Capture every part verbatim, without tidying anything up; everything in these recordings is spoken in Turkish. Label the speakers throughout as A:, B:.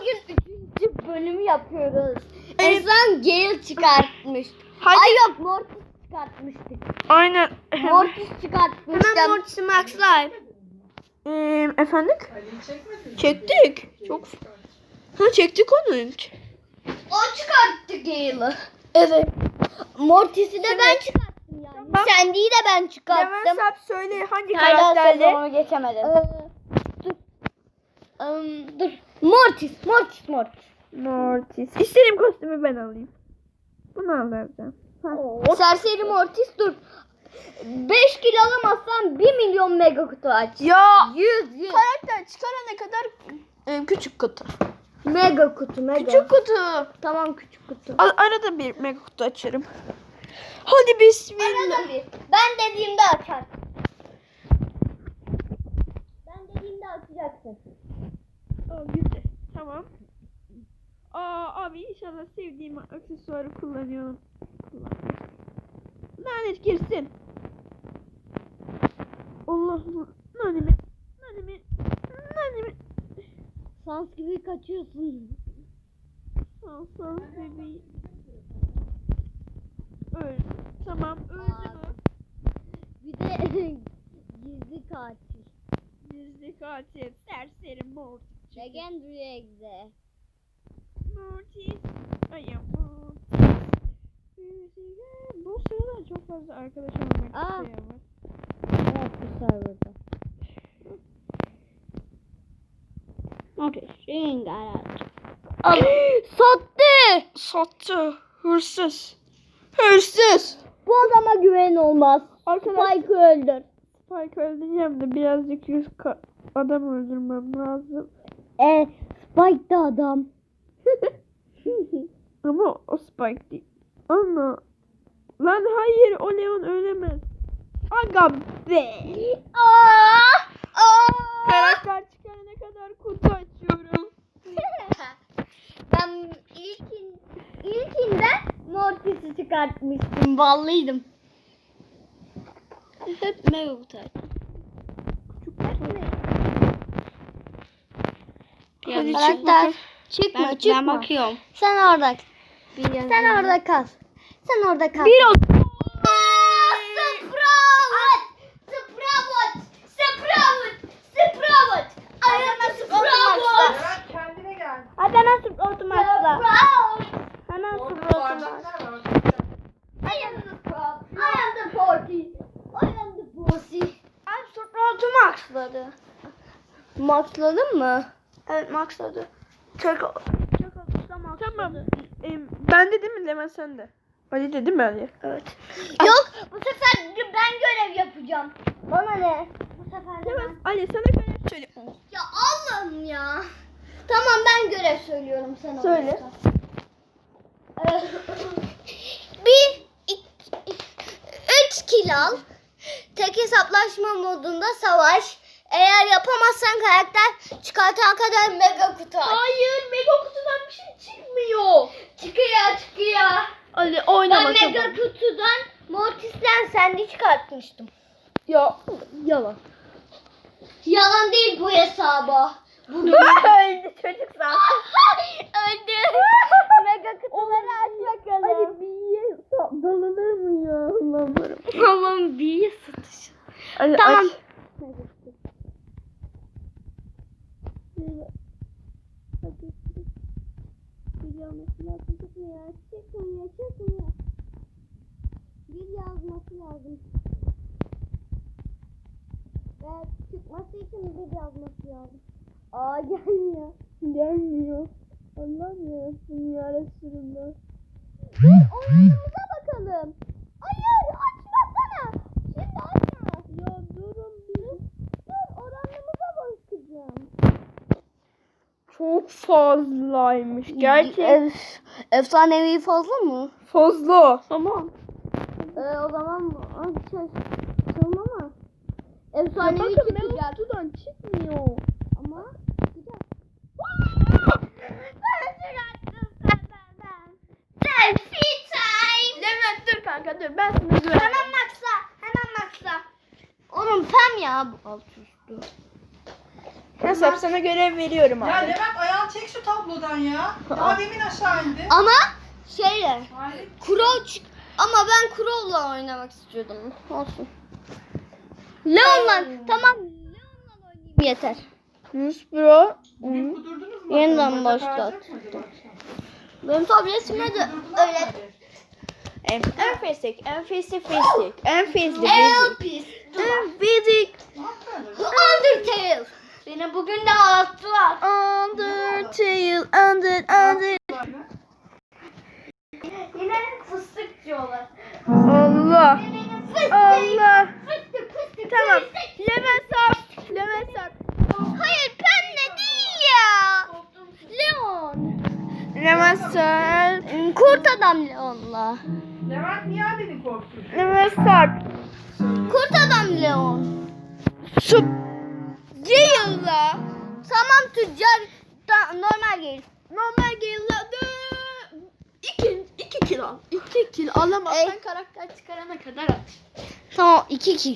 A: bugün üçüncü bölümü yapıyoruz. En son Gale çıkartmış.
B: Hadi.
A: Ay yok, Mortis çıkartmıştık.
B: Aynen.
A: Mortis çıkartmıştım.
C: Hemen Mortis'i maxlayayım.
B: Ee, efendim? Çektik. Çok. Ha çektik onu.
A: O çıkarttı Gale'ı.
C: Evet.
A: Mortis'i de ben çıkarttım yani.
B: Tamam.
A: Sandy'yi de ben çıkarttım.
B: Levent Sap söyle hangi
A: Hala
B: karakterle?
A: sezonu geçemedim. Ee, dur. Um, dur. Mortis, Mortis, Mortis.
B: Mortis. İstediğim kostümü ben alayım. Bunu alacağım.
A: Oo, serseri Mortis dur. beş kilo alamazsan bir milyon mega kutu aç.
B: Ya
A: yüz yüz.
B: karakter çıkarana kadar e, küçük kutu.
A: Mega kutu, mega.
B: Küçük kutu.
A: Tamam, küçük kutu.
B: A- arada bir mega kutu açarım. Hadi bismillah.
A: Arada bir. Ben dediğimde açar. Ben dediğimde açacaksın.
B: Aa, güzel. Tamam. Aa abi inşallah sevdiğim aksesuarı kullanıyorum. Kullanıyorum. Lanet girsin. Allah nanemi. Nanemi. Nanemi.
A: Sans gibi kaçıyorsun.
B: Sağ sağ bebeğim. Öldü. Tamam öldü mü?
A: Bir de gizli katil.
B: Gizli katil. Serseri Mortis.
A: Legendary Exe.
B: Mortis. Ay ya Mortis. Bu sırada çok fazla arkadaş olmak
A: Aa.
B: isteyen var.
A: Evet, bu serverda.
C: Mortis'in garaj.
A: Sattı.
B: Sattı. Hırsız. Hırsız.
A: Bu adama güven olmaz.
B: Arkadaşlar
A: Spike'ı öldür.
B: Spike öldüreceğim de birazcık yüz ka- adam öldürmem lazım.
A: E, Spike de adam.
B: Ama o Spike değil. Ana. Lan hayır o Leon ölemez. Aga be.
A: Aa! Aa!
B: Karakter çıkarana kadar kutu açıyorum.
A: Ben ilkin, ilkinde Mortis'i çıkartmıştım. Ballıydım.
C: Hep mega kutu aç.
B: Hadi çık
A: Karakter
B: bakalım.
A: çıkma,
C: Ben,
A: çıkma.
C: ben bakıyorum.
A: Sen orada. Sen orada kal. Sen orada kal.
B: Bir o.
A: Sprout! Sprout! Sprout! Sprout! I am a Sprout!
D: Kendine gel.
C: Hadi hemen Sprout'u maxla.
A: Sprout!
C: Hemen
D: Orada
C: Sprout'u
D: bağıracaklar
C: maxla.
D: var.
A: I am the Sprout! I am the forty! I am the bossy!
C: Ay Sprout'u maxladı.
A: Maxladın mı?
C: Evet maxladı. Çok çok olursa maxladı.
B: Tamam. Em, ben de değil mi Leman sen de? Ali de değil mi Ali?
C: Evet.
A: Yok, bu sefer ben görev yapacağım. Bana ne? Bu sefer de ben.
B: Leman Ali sana göre söyle.
A: Ya Allah'ım ya. Tamam, ben görev söylüyorum sana.
B: Söyle.
A: Ee, bir, iki, üç kill al. Tek hesaplaşma modunda savaş. Eğer yapamazsan karakter çıkartan kadar mega kutu aç.
B: Hayır mega kutudan bir şey çıkmıyor.
A: Çıkıyor çıkıyor.
B: Ali
A: Ben
B: oynama
A: mega
B: tamam.
A: kutudan Mortis'ten Sandy çıkartmıştım.
B: Ya yalan.
A: Yalan değil bu hesaba. Bugün
B: Öldü çocuk zaten.
A: öldü. Mega kutuları aç bakalım.
B: Ali bir dalanır mı ya? Allah'ım.
A: Tamam, bir satış.
B: Ali
A: Tamam.
B: aç.
A: Çıkmıyor, çıkmıyor, çıkmıyor. Bir yazması lazım. Evet, çıkması için bir yazması lazım. Aa, gelmiyor.
B: Gelmiyor. Allah'ım yarabbim ya Resulullah.
A: Dur, oyunumuza bakalım. Hayır, açmasana. Şimdi açma.
B: Ya durun bir.
A: Dur, oranımıza bakacağım.
B: Çok fazlaymış. Gerçekten
A: Ef, efsanevi fazla mı?
B: fazla. Tamam.
A: Ee, o zaman açacağız. Tamam ama. Efsanevi
B: Bakın
A: çıkacak.
B: mega kutudan çıkmıyor.
A: Ama çıkacak. Ben çıkarttım senden. Selfie time.
B: Levent dur kanka dur ben sana güveniyorum.
A: Hemen maxla. Hemen maxla. Onun pem ya bu alt üstü.
B: Nasıl sana görev veriyorum abi.
D: Ya Levent ayağın çek şu tablodan ya. Daha demin aşağı indi.
A: Ama şeyle.
D: Hayır.
A: Crow çık. Ama ben Crow'la oynamak istiyordum. Olsun. Leon'la tamam. Leon'la oynayayım yeter.
B: Yunus Bro.
D: Bugün kudurdunuz mu?
A: Yeniden
D: Bacak
A: başlat.
D: ağrıyacak mıydı bu akşam?
A: Benim tabletime de
D: Kudurdular mı
A: öyle.
D: hadi?
B: En, en fisik, en fisik fisik. En fisik,
A: El
B: fisik.
A: pis.
B: En fisik.
D: Aferin.
A: Undertale. Beni bugün de ağlattılar.
B: Undertale, under, under.
A: Yine fıstık diyorlar.
B: Allah.
A: Fıstık.
B: Allah.
A: Fıstık fıstık.
B: Tamam.
A: fıstık.
B: Lemon sap. Lemon sap.
A: Hayır pembe değil ya. Leon.
B: Lemon sap.
A: Kurt adam Leon'la.
D: Levent niye abini korktun?
B: Lemon sap.
A: Kurt adam Leon.
B: Sup. Ceyla.
A: Tamam tüccar da, normal değil.
B: Normal geliyordu. İki, iki kilo al. İki kilo alamazsan
A: Ey.
B: karakter çıkarana kadar at.
A: Tamam iki kill.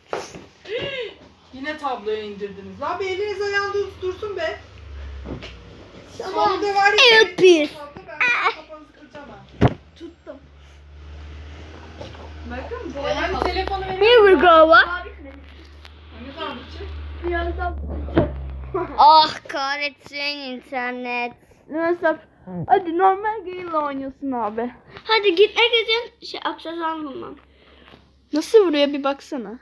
D: Yine tabloya indirdiniz. Abi eliniz ayağınız dursun be.
A: Tamam.
D: Sonunda var ya.
A: El pis.
D: Tablo ben kafanızı kıracağım ha.
B: Tuttum.
D: Bakın bu hani telefonu verin.
A: Here we go. What?
D: Ne zaman bitecek?
B: Birazdan.
A: Ah kahretsin internet.
B: Lemon sap. Hadi normal Gale'la oynuyorsun abi.
A: Hadi gitmek için şey aksesuar bulmam.
B: Nasıl vuruyor bir baksana.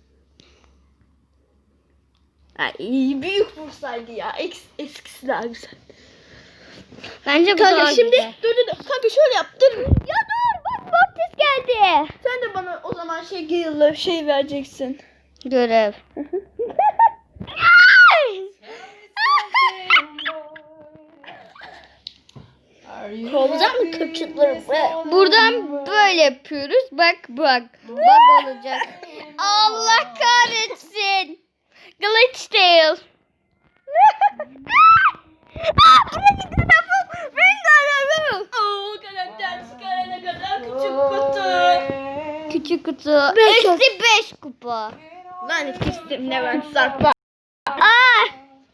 B: Ay, büyük vursaydı ya. Eks, eskisi daha güzel.
A: Bence bu
B: Kanka
A: daha
B: şimdi
A: güzel.
B: dur dur dur. Kanka şöyle yap. Dur.
A: Ya dur bak Mortis geldi.
B: Sen de bana o zaman şey Gale'la şey vereceksin.
A: Görev.
B: Kovacak mı köpçükleri?
A: Buradan böyle yapıyoruz. Bak bak. Bak olacak. Allah kahretsin. Glitch tail. Aa, buradaki tarafı ben görüyorum.
B: Oo karakter çıkarana kadar küçük kutu.
A: Küçük kutu.
B: Beş
A: Eksi beş kupa.
B: Lan kestim Levent Sarpa.
A: Aa.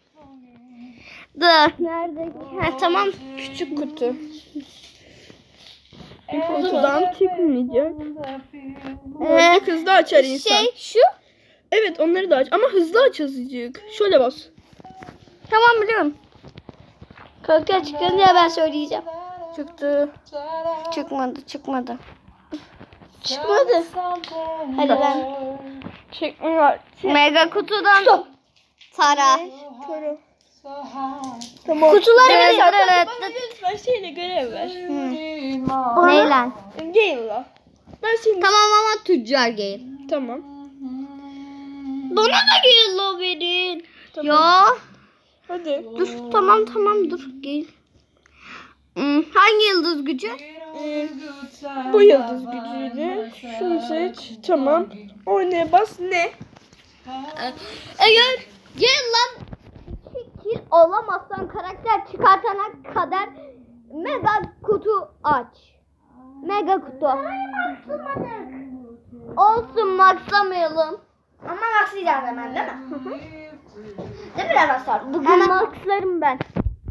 A: Dur. Nerede? Ha, tamam.
B: Küçük kutu. Kutudan çıkmayacak.
A: Ee,
B: Hızlı açar insan.
A: şey şu.
B: Evet onları da aç ama hızlı aç azıcık. Şöyle bas.
A: Tamam biliyorum. Kanka çıkınca ben söyleyeceğim.
B: Çıktı.
A: Çıkmadı çıkmadı.
B: Çıkmadı.
A: Hadi ben.
B: Çıkmıyor.
A: Mega kutudan tara.
B: Tamam. Tamam.
A: Kutuları
B: Evet,
A: ver.
B: bana
A: Evet.
B: lütfen şeyle görev ver.
A: Neyle?
B: Gale'la. Ben seni...
A: Tamam ama tüccar değil.
B: Tamam.
A: Bana da yellow verin.
B: Tamam.
A: Ya.
B: Hadi.
A: Dur tamam tamam dur gel. Hmm, hangi yıldız gücü?
B: Ee, bu yıldız gücüyle şunu seç. Tamam. Oynaya bas. Ne?
A: Eğer gel lan iki kill olamazsan karakter çıkartana kadar mega kutu aç. Mega kutu. Olsun maxlamayalım. Ama maxlayacağız hemen değil mi? Değil mi Ramazan? Bugün maxlarım ben.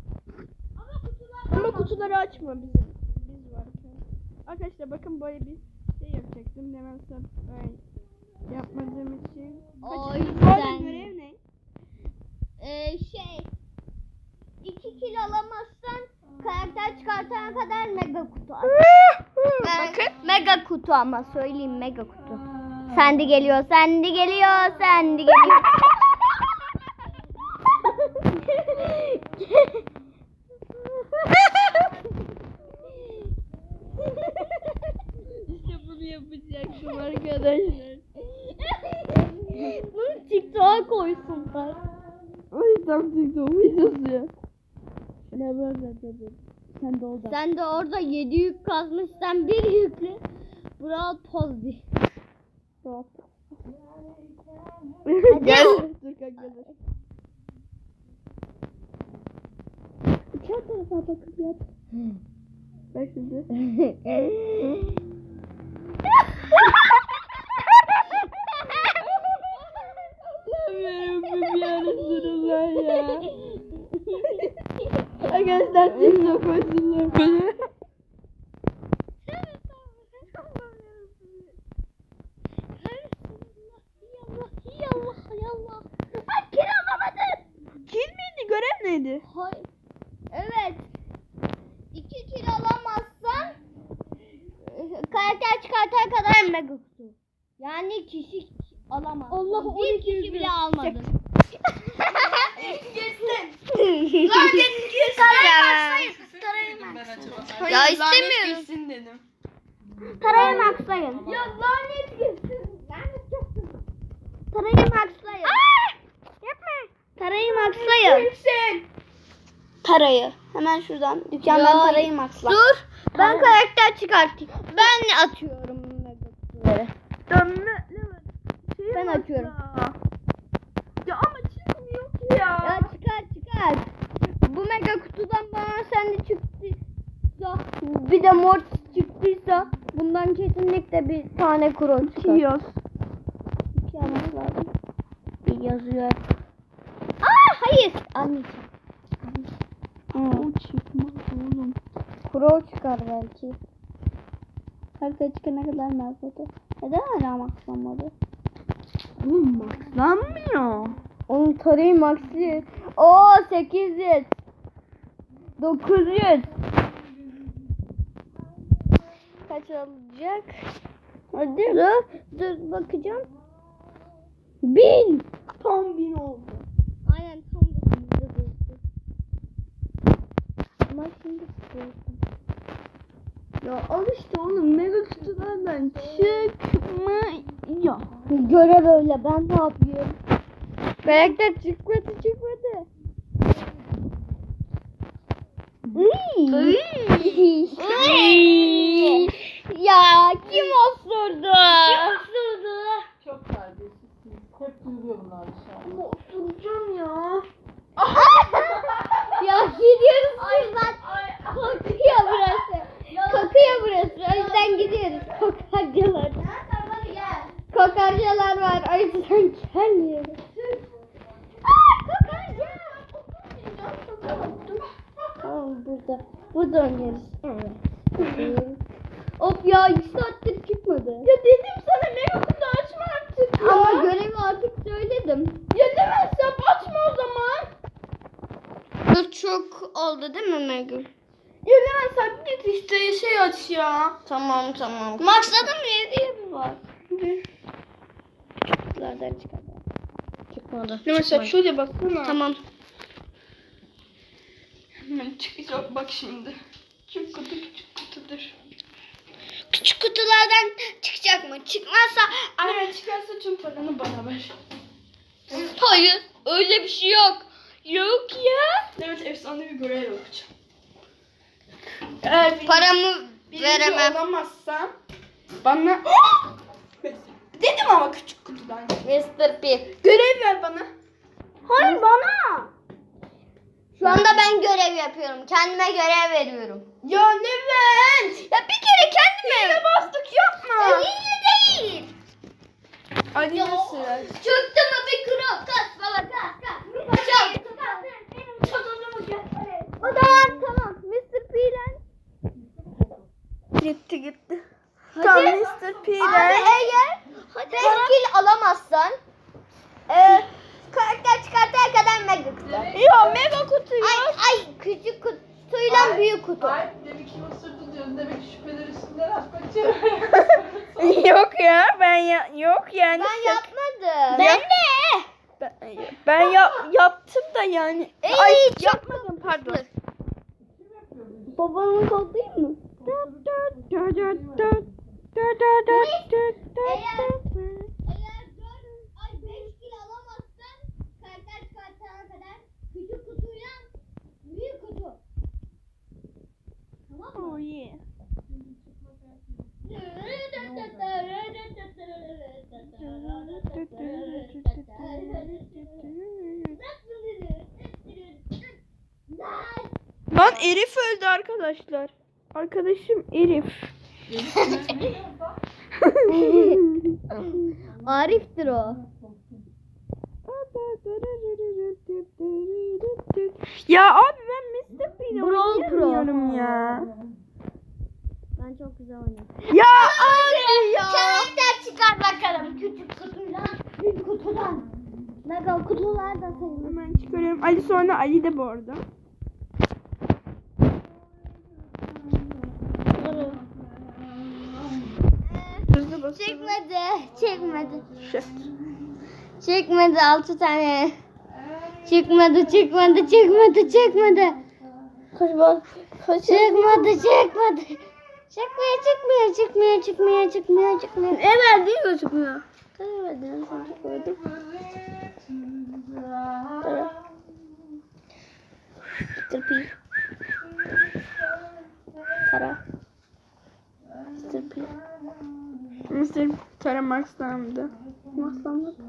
B: Ama kutuları açma bizim. Biz varken. Arkadaşlar bakın böyle bir şey yapacaktım. Hemen sen ben yapmadığım için.
A: O
B: Kaçıncı
A: yüzden.
B: görev ne?
A: Ee, şey. iki kill alamazsan karakter çıkartana kadar mega kutu aç.
B: Bakın.
A: Mega kutu ama söyleyeyim mega kutu. Sendi geliyor, sendi geliyor, sendi geliyor.
B: İşte bunu yapacaktım arkadaşlar.
A: Bunu TikTok'a koysunlar.
B: O yüzden TikTok videosu ya. Ne böyle dedi. Sen de orada.
A: Sen de orada yedi yük kazmışsan bir yükle. Bravo pozdi.
B: Gel. Dur kanka dur. Diğer tarafa bakıp yap. Bak şimdi. Yarabbim yarasın Allah ya. gösterdim. Çok özür dilerim.
A: Ay kil alamadın.
B: Kil miydi? Görev neydi?
A: Hayır. Evet. İki kil alamazsan e, karakter çıkartana kadar mega kutu. Yani kişi alamaz.
B: Allah,
A: bir
B: on iki
A: kişi
B: yüz
A: bile
B: lira.
A: almadı.
D: Ben acaba.
A: Ya istemiyorum.
B: Gitsin dedim.
A: Tarayı maxlayın.
B: Ya lanet gitsin. Lanet gitsin.
A: Tarayı maxlayın. Yapma. Tarayı maxlayın.
B: Gitsin.
C: Tarayı. Hemen şuradan dükkandan
A: Ya,
C: tarayı maxla.
A: Dur. Ben karakter çıkartayım. Ben atıyorum mega kutuları.
B: Dönme. Şey
A: Ben
B: maxla.
A: açıyorum.
B: Ya ama çıkmıyor ki ya.
A: Ya çıkar çıkar. Bu mega kutudan bana sende çıktıysa bir de mor çıktıysa bundan kesinlikle bir tane kron çıkar.
B: Kiyos.
C: İki almak lazım. Bir yazıyor.
A: Aa hayır. Anneciğim.
B: O çıkmaz oğlum.
A: Kro çıkar belki.
C: Harita çıkana kadar maxladı. Neden hala maxlanmadı?
B: Oğlum maxlanmıyor.
A: Onun tarayı maxi. Oo sekiz yüz. dokuz yüz. Kaç alacak? Hadi dur. Dur bakacağım. Bin.
B: Tam bin oldu.
A: Aynen tam da bizde durdu. Ama şimdi sıkıyorsun.
B: Ya al işte oğlum mega kutulardan çıkmıyor.
A: Görev öyle ben ne yapıyorum? Karakter çıkmadı çıkmadı. Iy. Iy. Ya kim osurdu? Kim osurdu?
D: Çok terbiyesizsiniz. Hep duyuluyor bunlar dışarıda.
B: Oturacağım ya.
A: Ya gidiyoruz buradan. Kokuyor burası. Kokuyor burası. O yüzden gidiyoruz. Kokarcalar. Kokarcalar var. O yüzden gelmiyoruz. Aa, kokarca. Tamam burada. Burada oynarız. Evet. Of ya iki saattir çıkmadı.
B: Ya dedim sana mega kutu açma artık ya.
A: Ama görevi artık söyledim.
B: Ya demezsem açma o zaman.
A: Dur çok oldu değil mi Megül?
B: Ya demezsem git işte şey aç ya.
A: Tamam tamam. Maxladım mı? Yedi yedi var.
C: Kutulardan çıkar.
A: Çıkmadı.
B: Demezsem şöyle baksana.
A: Tamam.
B: Hemen çıkacak bak şimdi. Küçük kutu küçük kutudur.
A: Küçük kutulardan çıkacak mı? Çıkmazsa...
B: Eğer çıkarsa tüm paranı bana ver.
A: Hayır. Öyle bir şey yok. Yok ya.
B: Evet efsane bir görev yapacağım. Eğer birinci,
A: Paramı
B: birinci
A: veremem.
B: olamazsam bana... Dedim ama küçük kutudan.
A: mister P.
B: Görev ver bana.
A: Hayır bana. Şu anda ben görev yapıyorum. Kendime görev veriyorum.
B: Ya Levent.
A: Ya bir kere kendime.
B: Yine bastık yapma.
A: İyi değil.
B: Hadi
A: Ya,
B: sıra.
A: çıktı mı bir kuru? Kas baba kas kas. Kaçalım. O zaman tamam. mister P'den.
B: Gitti gitti.
A: Hadi.
B: Tamam mister
A: Abi
B: P'den.
A: eğer beş kill alamazsan e, karakter çıkartana kadar mega kutu.
B: Ya mega kutu
A: Ay
B: yok.
A: ay küçük kutuyla büyük kutu.
D: Ay demek ki osurdu diyorsun. Demek ki şüpheler üstünden at kaçıyor.
B: Yok ya ben ya yok yani.
A: Ben yapmadım.
B: Ben
A: de.
B: Ben, ben ya, yaptım da yani.
A: Ey,
B: Ay
A: çok
B: yapmadım pardon.
A: Babamı toplayayım mı? Eğer, eğer dört ay beş kill alamazsan karakter çıkartana kadar küçük kutuyla büyük kutu. Tamam mı?
B: Oh yeah. Lan Elif öldü arkadaşlar. Arkadaşım Elif.
A: Arif'tir o.
B: Ya abi ben mister P'yle
A: Bu
B: Bilmiyorum ya.
A: Ben çok güzel oynadım.
B: Ya abi ya.
A: Karakter çıkar bakalım. Küçük kutudan, büyük kutudan. Mega kutular da sayılır.
B: Hemen çıkarıyorum. Ali sonra Ali de bu arada. Hızlı basalım.
A: Çekmedi, çekmedi.
B: Shift.
A: Çekmedi altı tane. Çıkmadı, çıkmadı, çıkmadı, çıkmadı.
C: Koş bak. Koş.
A: Çıkmadı, çıkmadı. Çıkmıyor, çıkmıyor, çıkmıyor, çıkmıyor, çıkmıyor, çıkmıyor.
C: Evet değil mi çıkmıyor? Evet değil mi çıkmıyor? Mister P. Tara. Mister P.
B: mister Tara Max'landı.
C: Maslandı.